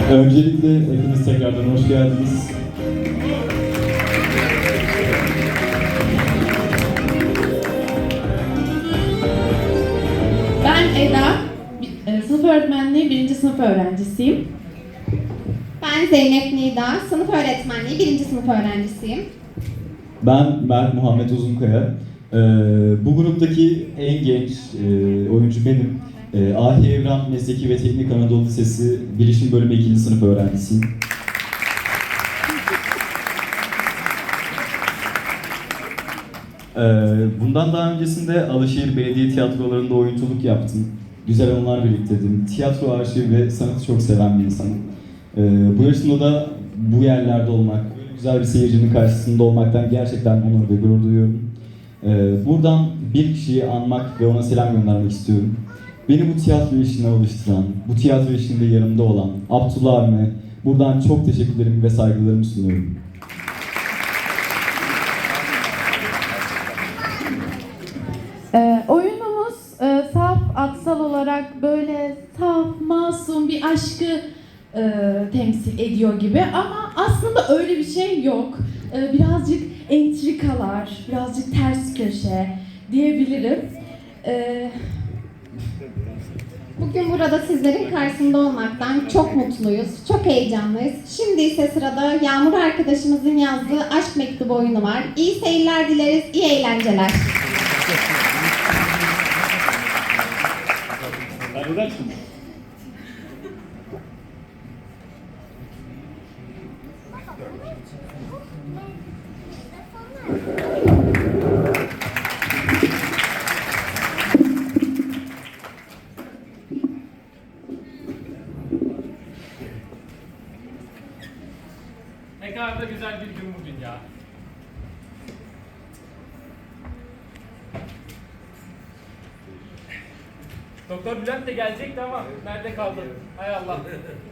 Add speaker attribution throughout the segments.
Speaker 1: Öncelikle hepiniz tekrardan hoş geldiniz.
Speaker 2: Ben Eda, sınıf öğretmenliği 1. sınıf öğrencisiyim.
Speaker 3: Ben Zeynep Nida, sınıf öğretmenliği 1. sınıf öğrencisiyim.
Speaker 1: Ben Mert Muhammed Uzunkaya. Bu gruptaki en genç oyuncu benim. Ahi Evran Mesleki ve Teknik Anadolu Lisesi Bilişim Bölümü 2. sınıf öğrencisiyim. Bundan daha öncesinde Alaşehir Belediye Tiyatrolarında oyunculuk yaptım. Güzel anılar biriktirdim. Tiyatro arşivi ve sanatı çok seven bir insanım. Bu yaşımda da bu yerlerde olmak, böyle güzel bir seyircinin karşısında olmaktan gerçekten onur ve gurur duyuyorum. Buradan bir kişiyi anmak ve ona selam göndermek istiyorum. Beni bu tiyatro işine alıştıran, bu tiyatro işinde yanımda olan Abdullah abime buradan çok teşekkürlerimi ve saygılarımı sunuyorum.
Speaker 2: Oyunumuz saf, atsal olarak böyle saf, masum bir aşkı temsil ediyor gibi ama aslında öyle bir şey yok. Birazcık entrikalar, birazcık ters köşe diyebilirim.
Speaker 3: Bugün burada sizlerin karşısında olmaktan çok mutluyuz, çok heyecanlıyız. Şimdi ise sırada Yağmur arkadaşımızın yazdığı aşk mektubu oyunu var. İyi seyirler dileriz, iyi eğlenceler.
Speaker 4: Ne kadar da güzel bir gün bugün ya. Doktor Bülent de gelecekti ama nerede kaldı? Hay Allah.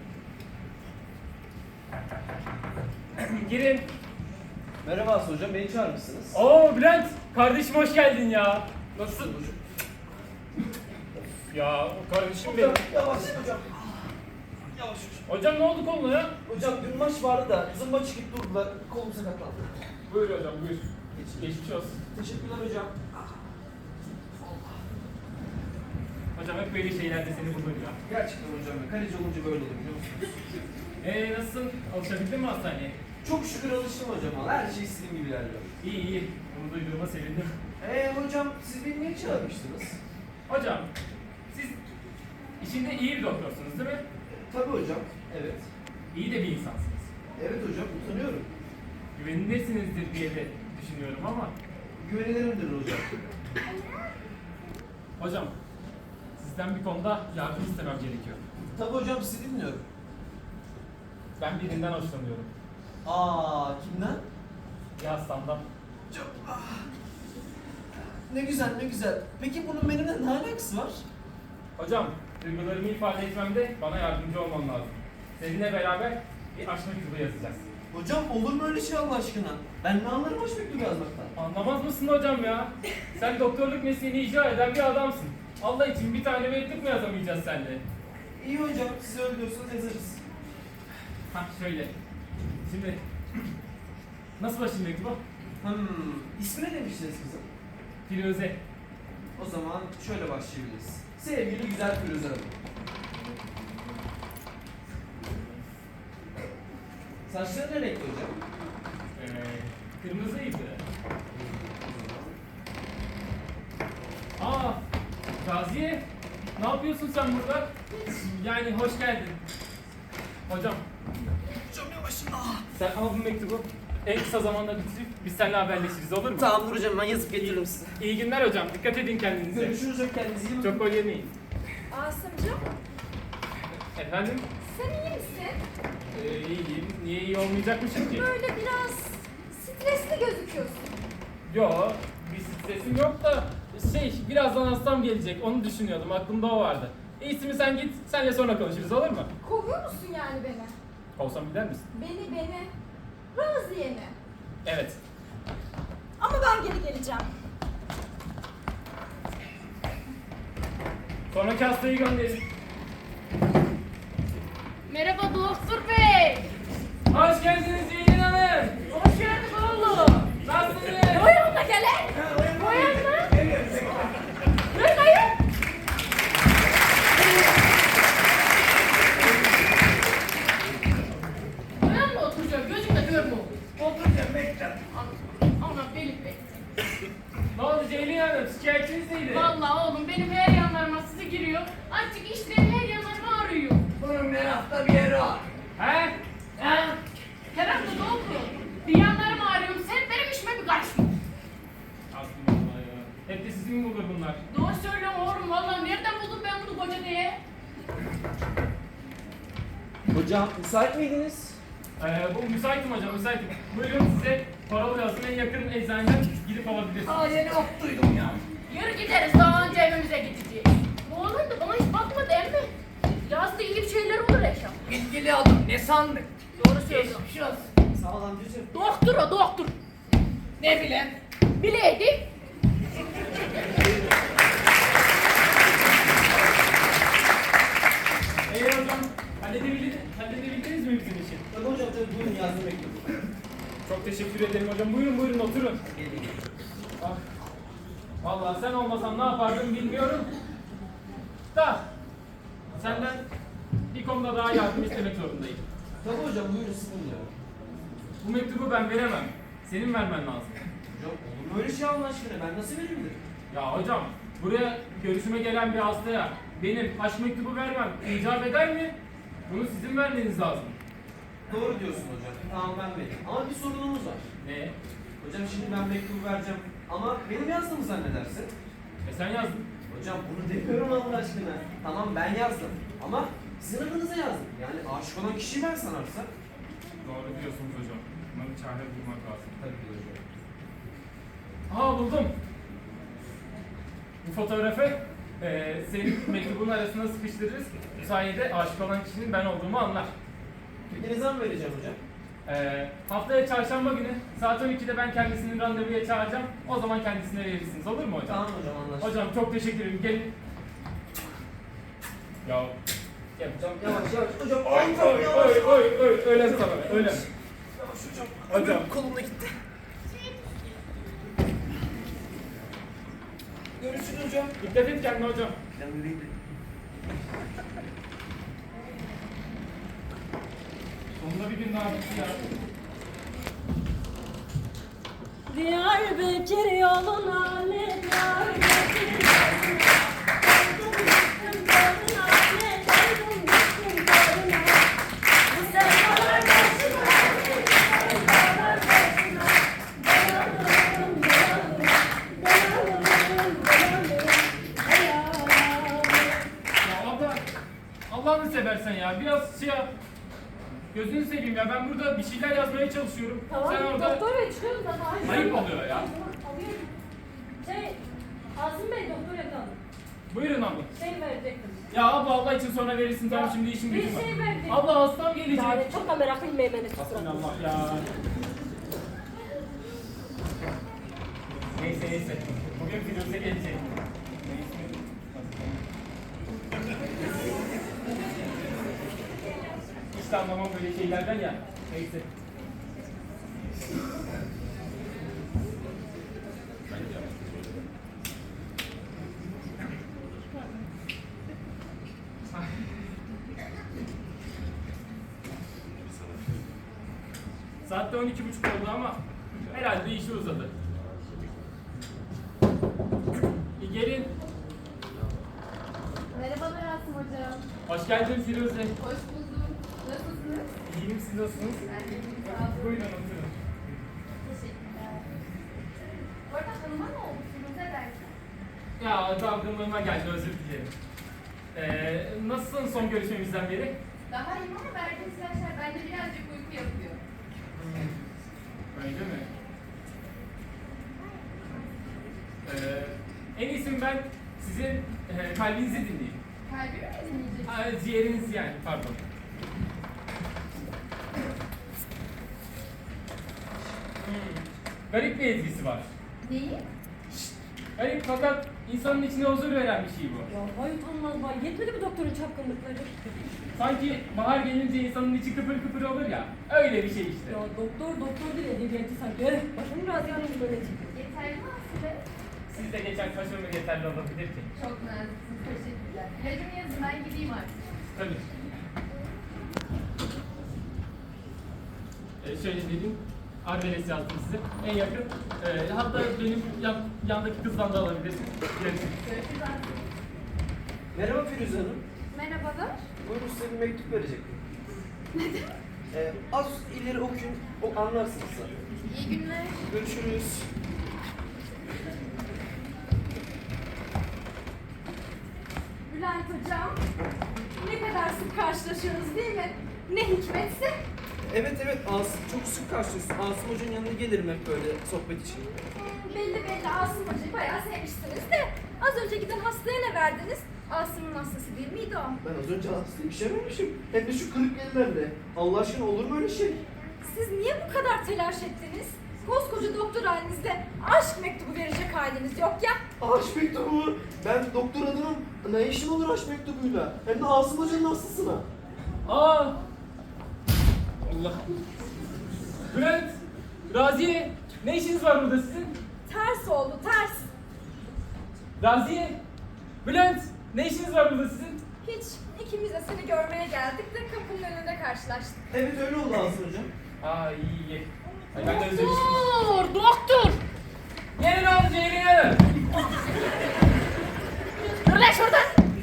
Speaker 4: Girin.
Speaker 5: Merhaba Aslı hocam, beni çağırmışsınız.
Speaker 4: Oo Bülent, kardeşim hoş geldin ya. Nasılsın? Ya kardeşim benim.
Speaker 5: Yavaş hocam. Yavaş hocam.
Speaker 4: Hocam ne oldu koluna ya?
Speaker 5: Hocam dün maç vardı da zımba çıkıp durdular, kolum sakatlandı.
Speaker 4: Buyur hocam buyur. Geçmiş olsun.
Speaker 5: Teşekkürler hocam.
Speaker 4: Hocam hep böyle şeylerde seni bulurum ya.
Speaker 5: Gerçekten hocam ya, kaleci olunca böyle olur biliyor musunuz?
Speaker 4: Nasılsın? Alışabildin mi hastaneye?
Speaker 5: Çok şükür alıştım hocam, her şey istediğim gibi ilerliyor.
Speaker 4: İyi iyi. Bunu duyduğuma sevindim.
Speaker 5: Hocam siz beni niye çağırmıştınız?
Speaker 4: Hocam, siz içinde iyi bir doktorsunuz değil mi?
Speaker 5: Tabii hocam, evet.
Speaker 4: İyi de bir insansınız.
Speaker 5: Evet hocam, utanıyorum.
Speaker 4: Güvenilirsinizdir diye de düşünüyorum ama.
Speaker 5: Güvenilirimdir hocam.
Speaker 4: Hocam, sizden bir konuda yardım istemem gerekiyor.
Speaker 5: Tabii hocam, sizi dinliyorum.
Speaker 4: Ben birinden hoşlanıyorum.
Speaker 5: Kimden?
Speaker 4: Bir hastamdan.
Speaker 5: Hocam, Ne güzel, ne güzel. Peki bunun benimle ne alakası var?
Speaker 4: Hocam, duygularımı ifade etmemde bana yardımcı olman lazım. Seninle beraber bir aşk mektubu yazacağız.
Speaker 5: Hocam olur mu öyle şey Allah aşkına? Ben ne anlarım aşk mektubu yazmaktan?
Speaker 4: Anlamaz mısın hocam ya? Sen doktorluk mesleğini icra eden bir adamsın. Allah için bir tane mektup mu yazamayacağız seninle?
Speaker 5: İyi hocam, siz öyle diyorsanız yazarız.
Speaker 4: Hah şöyle. Şimdi nasıl başlayayım mektuba?
Speaker 5: İsmi ne demiştiniz kızım?
Speaker 4: Firuze.
Speaker 5: O zaman şöyle başlayabiliriz. Sevgili güzel Firuze Hanım. Saçları ne renkli hocam?
Speaker 4: Kırmızıydı. Aa, Raziye, ne yapıyorsun sen burada? Yani hoş geldin. Hocam,
Speaker 5: Hocam yavaş.
Speaker 4: sen al bu mektubu. En kısa zamanda bitirip biz seninle haberleşiriz olur mu?
Speaker 5: Tamam hocam, ben yazıp getiririm size.
Speaker 4: İyi günler hocam. Dikkat edin kendinize.
Speaker 5: Görüşürüz hocam, kendinize iyi bakın.
Speaker 4: Çok gol yemeyin.
Speaker 6: Asımcığım,
Speaker 4: Efendim?
Speaker 6: sen iyi misin?
Speaker 4: İyiyim. Niye iyi olmayacakmışım ki?
Speaker 6: Böyle biraz stresli gözüküyorsun.
Speaker 4: Yo, bir stresim yok da birazdan hastam gelecek. Onu düşünüyordum. Aklımda o vardı. İyisi mi sen git. Seninle sonra konuşuruz olur mu?
Speaker 6: Kovuyor musun yani beni?
Speaker 4: Olsam gider misin?
Speaker 6: Beni. Raziye'ni.
Speaker 4: Evet.
Speaker 6: Ama ben geri geleceğim.
Speaker 4: Sonraki hastayı gönderin.
Speaker 6: Merhaba dost.
Speaker 7: Doktor Bey.
Speaker 4: Hoş geldiniz Ceylin Hanım.
Speaker 7: Hoş geldin oğlum.
Speaker 4: Nasılsınız?
Speaker 7: Buyurun da gelin. Buyurun da. Buyurun ayın. Uyan mı oturacağım? Gözümle görmüyor. Oturacağım bekle. Ana benim bekle.
Speaker 4: Ne oldu Ceylin Hanım? Şikayetiniz neydi?
Speaker 7: Vallahi oğlum benim her yanlarıma sizi giriyor. Artık işlerim her yanlarıma ağrıyor.
Speaker 5: Bunun her hafta bir yeri var.
Speaker 4: He?
Speaker 7: Her hafta doğru. Bir yanlarım ağrıyor. Sen benim işime bir karışma.
Speaker 4: Aslında ya. Hep de sizin mi bulur bunlar?
Speaker 7: Doğru söylüyorum oğlum. Vallahi nereden buldun ben bunu koca diye?
Speaker 5: Hocam müsait miydiniz?
Speaker 4: Bu müsaitim hocam, müsaitim. Buyurun size paralı yazın en yakın eczaneden gidip alabilirsiniz.
Speaker 5: Aa yeni ot duydum ya.
Speaker 7: Yürü gideriz. Daha önce evimize gideceğiz. Oğlum da bana hiç bakma değil mi? Yazda iyi bir şeyler olur eşya.
Speaker 5: Bilgili adam ne sandın?
Speaker 7: Doğru söylüyorum.
Speaker 5: Sağ ol amcacığım.
Speaker 7: Doktor o doktor.
Speaker 5: Ne bilen?
Speaker 7: Bileydim.
Speaker 4: Hocam, halledebildiniz mi bizim için?
Speaker 5: Tabii hocam tabii buyurun yazdım mektubu.
Speaker 4: Çok teşekkür ederim hocam. Buyurun buyurun oturun. Ah. Vallahi sen olmasan ne yapardım bilmiyorum. Da senden bir konuda daha yardım istemek zorundayım.
Speaker 5: Tabii hocam buyurun sıkıntı yok.
Speaker 4: Bu mektubu ben veremem. Senin vermen lazım.
Speaker 5: Hocam olur mu öyle şey Allah aşkına ben nasıl verebilirim?
Speaker 4: Ya hocam buraya görüşüme gelen bir hastaya benim aşk mektubu vermem icap eder mi? Bunu sizin vermeniz lazım.
Speaker 5: Doğru diyorsun hocam. Tamam ben vereyim. Ama bir sorunumuz var.
Speaker 4: Ne?
Speaker 5: Hocam şimdi ben mektubu vereceğim. Ama benim yazdığımı zannedersin.
Speaker 4: Sen yazdın.
Speaker 5: Hocam bunu demiyorum Allah aşkına. Tamam ben yazdım. Ama sizin adınıza yazdım. Yani aşık olan kişiyi ben sanarsa.
Speaker 4: Doğru diyorsunuz hocam. Buna bir çare bulmak lazım.
Speaker 5: Tabii ki hocam.
Speaker 4: Aa buldum. Bu fotoğrafı senin mektubun arasına sıkıştırırız. Bu sayede aşık olan kişinin ben olduğumu anlar.
Speaker 5: Peki ne zaman vereceğim hocam?
Speaker 4: Haftaya çarşamba günü saat 12'de ben kendisini randevuya çağıracağım. O zaman kendisine verirsiniz. Olur mu hocam?
Speaker 5: Tamam hocam anlaştık.
Speaker 4: Hocam çok teşekkür ederim. Gelin. Ya. Gel.
Speaker 5: Hocam yavaş yavaş. Hocam
Speaker 4: Oy öyle sana öyle.
Speaker 5: Yavaş hocam.
Speaker 4: Hocam.
Speaker 5: Kolumda gitti. Görüşürüz hocam.
Speaker 4: Dikkat et kendine hocam.
Speaker 5: Ben vereyim de.
Speaker 4: Sonunda bir gün daha bitti ya.
Speaker 8: Diyarbakır yoluna ne Diyarbakır yoluna Döndüm düştüm yoluna ne döndüm düştüm yoluna Bu sevdalar başına sevdalar başına Dayanırım Ey
Speaker 4: Ya abla, Allah'ını seversen ya biraz şey yap. Gözünü seveyim ya ben burada bir şeyler yazmaya çalışıyorum.
Speaker 8: Tamam,
Speaker 4: Sen orada
Speaker 8: doktor bey çıkıyoruz zaten.
Speaker 4: ayıp oluyor ya.
Speaker 8: Alıyorum. Asım Bey doktor yakaladı.
Speaker 4: Buyurun abla.
Speaker 8: Verecektim.
Speaker 4: Ya abla Allah için sonra verirsin tamam şimdi işim
Speaker 8: Bir
Speaker 4: gücüm var.
Speaker 8: şey verdim.
Speaker 4: Abla hastam gelecek.
Speaker 8: Yani çok da meraklıyım beyefendi.
Speaker 4: Allah ya. Neyse. Bugün Firuze gelecek. Hiç de anlamam böyle şeylerden ya. Neyse. Saatte 12:30 oldu ama herhalde işi uzadı. Gelin.
Speaker 3: Merhabalar Asım hocam.
Speaker 4: Hoş geldin Firuze.
Speaker 3: Hoş buldum. Nasılsınız?
Speaker 4: İyiyim siz nasılsınız?
Speaker 3: Ben de iyiyim. Sağ olun.
Speaker 4: Buyurun oturun.
Speaker 3: Teşekkürler. Bu arada hanıma ne olmuşsunuz? Ne dersin?
Speaker 4: Ya dalgınlığıma geldi özür dilerim. Nasılsın son görüşmemizden beri?
Speaker 3: Daha iyiyim ama verdiğiniz ilaçlar bende birazcık uyku yapıyor.
Speaker 4: Öyle mi? En iyisi ben sizin kalbinizi dinleyeyim.
Speaker 3: Kalbimi mi dinleyeceksin?
Speaker 4: Ciğeriniz yani pardon. Garip bir etkisi var.
Speaker 3: Neyi?
Speaker 4: Garip fakat insanın içine huzur veren bir şey bu.
Speaker 8: Ya vay utanmaz vay. Yetmedi mi doktorun çapkınlıkları?
Speaker 4: Sanki bahar gelince insanın içi kıpır kıpır olur ya. Öyle bir şey işte.
Speaker 8: Ya doktor değil edebiyatı sanki. Başım Raziye Hanım böyle.
Speaker 6: Yeterli mi Aslı?
Speaker 4: Siz de geçen taşınma yeterli olabilir ki.
Speaker 6: Çok naziksiniz. Teşekkürler. İlacımı yazın ben gideyim artık.
Speaker 4: Tabii. Şöyle dedim. Adres yazdım size. En yakın. Hatta benim yandaki kızdan da alabilirsiniz. Görüşürüz.
Speaker 6: Görüşürüz Aslı.
Speaker 5: Merhaba Firuze Hanım.
Speaker 6: Merhabalar.
Speaker 5: Buyurun size bir mektup verecektim. Az ileri okuyun, anlarsınız zaten.
Speaker 6: İyi günler.
Speaker 5: Görüşürüz.
Speaker 6: Bülent Hocam. Ne kadar sık karşılaşıyoruz değil mi? Ne hikmetse.
Speaker 5: Evet, çok sık karşılıyorsun. Asım Hoca'nın yanına gelirim hep böyle sohbet için.
Speaker 6: Belli Asım Hoca'yı bayağı sevmiştiniz de. Az önce giden hastaya ne verdiniz? Asım'ın hastası değil miydi o?
Speaker 5: Ben az önce hastayı işememişim. Hem de şu kırık ellerle. Allah aşkına olur mu öyle şey?
Speaker 6: Siz niye bu kadar telaş ettiniz? Koskoca doktor halinizde aşk mektubu verecek haliniz yok ya.
Speaker 5: Aşk mektubu. Ben doktor adamım. Ne işim olur aşk mektubuyla? Hem de Asım Hoca'nın hastasına.
Speaker 4: Aa! Allah! Bülent! Raziye! Ne işiniz var burada sizin?
Speaker 6: Ters oldu ters.
Speaker 4: Raziye! Bülent! Ne işiniz var burada sizin?
Speaker 6: Hiç ikimiz de seni görmeye geldik de kapının önünde karşılaştık.
Speaker 5: Evet öyle oldu Asım Hocam.
Speaker 4: Aa iyi. Ay, ben de özlemiştim.
Speaker 7: Doktor!
Speaker 4: Gelin oğlum gelin.
Speaker 7: Dur lan şuradan!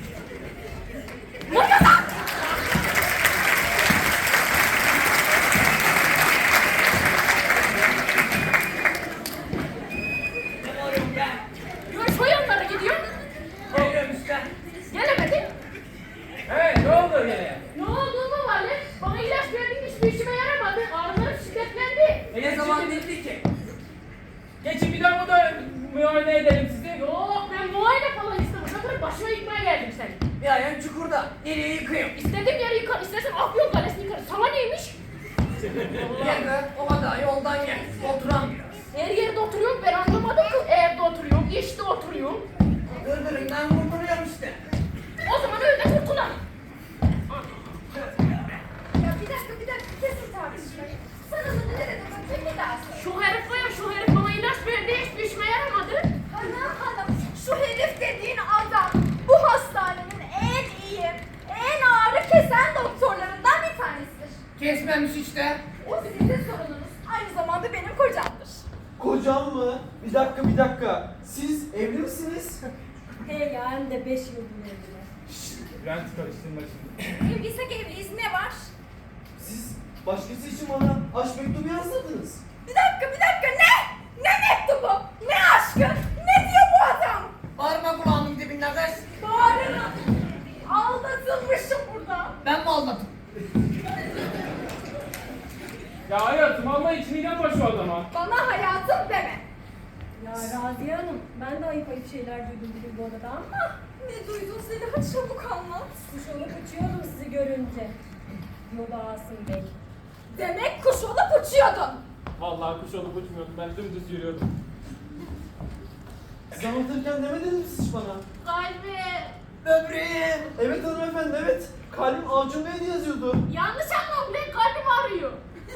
Speaker 7: Yürü şu yanlara gidiyor.
Speaker 4: Geliyorum işte.
Speaker 7: Gelemedin.
Speaker 4: Hey ne oldu gene?
Speaker 7: Ne oldu mu Vali? Bana ilaç verdin hiçbir işime yaramadı. Ağrılarım şiddetlendi.
Speaker 4: Ne zaman dedi ki? Geçin bir daha da muayene edelim sizi.
Speaker 7: Yok ben muayene falan istemem. Zaten başıma yıkmaya geldim seni.
Speaker 9: Bir ayağın çukurda. Nereye yıkayım?
Speaker 7: İstediğim yeri yıkar, istersen Afyon Kalesi'ni yıkarım. Sana neymiş?
Speaker 9: Gel be. O kadar yoldan gel. Oturan biraz.
Speaker 7: Her yerde oturuyorum ben anlamadım ki. Evde oturuyorum, işte oturuyorum.
Speaker 9: Gırgırından kurtuluyorum işte.
Speaker 7: O zaman öyle kurtulalım.
Speaker 6: Ya bir dakika kesin tartışmayı. Sana da ne dedim bakayım bir daha söyle.
Speaker 7: Şu herif var ya, şu herif bana ilaç verdi, hiçbir işime yaramadı.
Speaker 6: Hanım şu herif dediğin adam bu hastanenin en iyi, en ağrı kesen doktorlarından bir tanesidir.
Speaker 9: Kesmemiş işte.
Speaker 6: O sizin sorununuz. Aynı zamanda benim kocamdır.
Speaker 5: Kocam mı? Bir dakika. Siz evli misiniz?
Speaker 8: He ya hem de 5 yıl evliler.
Speaker 4: Bülent karıştırma şimdi.
Speaker 6: Evliysek evliyiz ne var?
Speaker 5: Siz başkası için bana aşk mektubu yazdırdınız.
Speaker 6: Bir dakika ne? Ne mektubu? Ne aşkı? Ne diyor bu adam?
Speaker 9: Bağırma kulağımın dibinde kız.
Speaker 6: Bağırırım. Aldatılmışım burada.
Speaker 9: Ben mi aldatım?
Speaker 4: Ya hayatım Allah için inanma şu adama.
Speaker 6: Bana hayatım deme.
Speaker 8: Ya Raziye Hanım ben de ayıp şeyler duydum bugün bu odada ama
Speaker 6: Ne duydun Zeliha çabuk anlat.
Speaker 8: kuş olup uçuyordum sizi görünce. Yoba Asım Bey.
Speaker 6: Demek kuş olup uçuyordun.
Speaker 4: Vallahi kuş olup uçmuyordum ben dümdüz yürüyordum.
Speaker 5: Siz anlatırken demediniz mi siz bana?
Speaker 7: Kalbi.
Speaker 9: Böbreğim.
Speaker 5: Evet hanımefendi evet. Kalbim Acun Bey diye yazıyordu.
Speaker 7: Yanlış anlam ulan kalbim ağrıyor.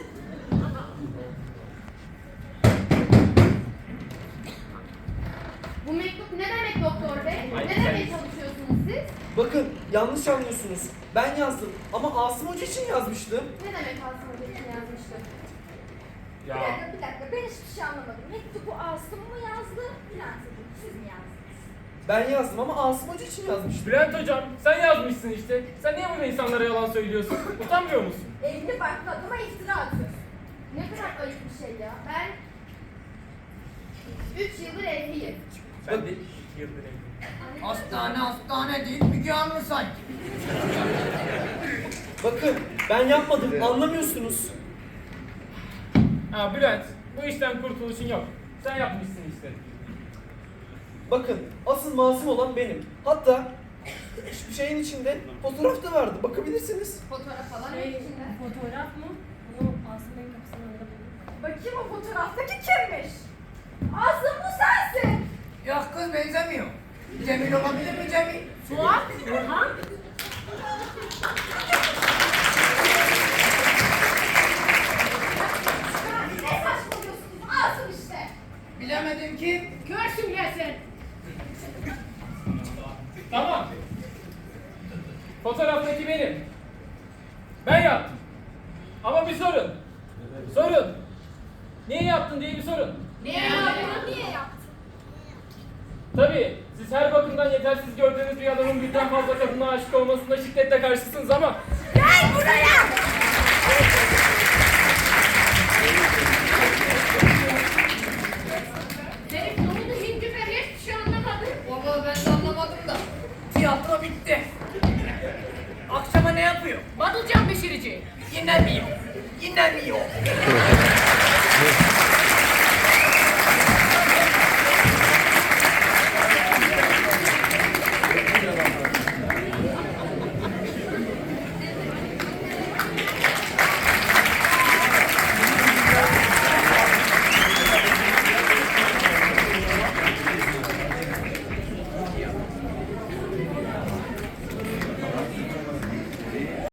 Speaker 7: Bu mektup ne demek doktor bey?
Speaker 4: Ay,
Speaker 7: Ne
Speaker 4: sen-
Speaker 7: demeye çalışıyorsunuz siz?
Speaker 5: Bakın yanlış anlıyorsunuz. Ben yazdım ama Asım Hoca için yazmıştım.
Speaker 7: Ne demek Asım Hoca için yazmıştı?
Speaker 4: Ya
Speaker 6: Bir dakika ben hiçbir şey anlamadım. Mektubu Asım mı yazdı? Bülent Hocam siz mi yazdınız?
Speaker 5: Ben yazdım ama Asım Hoca için yazmıştım.
Speaker 4: Bülent hocam sen yazmışsın işte. Sen niye böyle insanlara yalan söylüyorsun? Utanmıyor musun?
Speaker 6: Evli barklı adama iftira atıyorsun.
Speaker 7: Ne kadar ayıp bir şey ya. Ben 3 yıldır evliyim.
Speaker 4: Ben de 2 yıldır evliyim.
Speaker 9: Hastane değil. Müge Anlı sanki.
Speaker 5: Bakın ben yapmadım anlamıyorsunuz.
Speaker 4: Ha Bülent bu işten kurtuluşun yok. Sen yapmışsın işte.
Speaker 5: Bakın asıl masum olan benim. Hatta hiçbir şeyin içinde fotoğraf da vardı. Bakabilirsiniz.
Speaker 6: Fotoğraf falan yok
Speaker 8: Şey,
Speaker 6: içinde.
Speaker 8: fotoğraf mı? Bunu Asım Bey'in kapısının önünde buldum.
Speaker 6: Bakayım o fotoğraftaki kimmiş? Asım bu sensin.
Speaker 9: Yok kız benzemiyor. Cemil olabilir mi Cemil?
Speaker 7: Suat, Orhan.
Speaker 4: ki benim. Ben yaptım. Ama bir sorun. Sorun. Niye yaptın diye bir sorun.
Speaker 7: Niye yaptın?
Speaker 6: Niye yaptın?
Speaker 4: Tabii siz her bakımdan yetersiz gördüğünüz bir adamın birden fazla kadına aşık olmasına şiddetle karşısınız ama
Speaker 6: Gel buraya!
Speaker 7: Herif ne oldu hindi be hiçbir şey anlamadım.
Speaker 9: Vallahi ben de anlamadım da. Tiyatro bitti. Akşama ne yapıyor?
Speaker 7: Badılcan pişirici.
Speaker 9: Yine mi yok? Yine mi yok?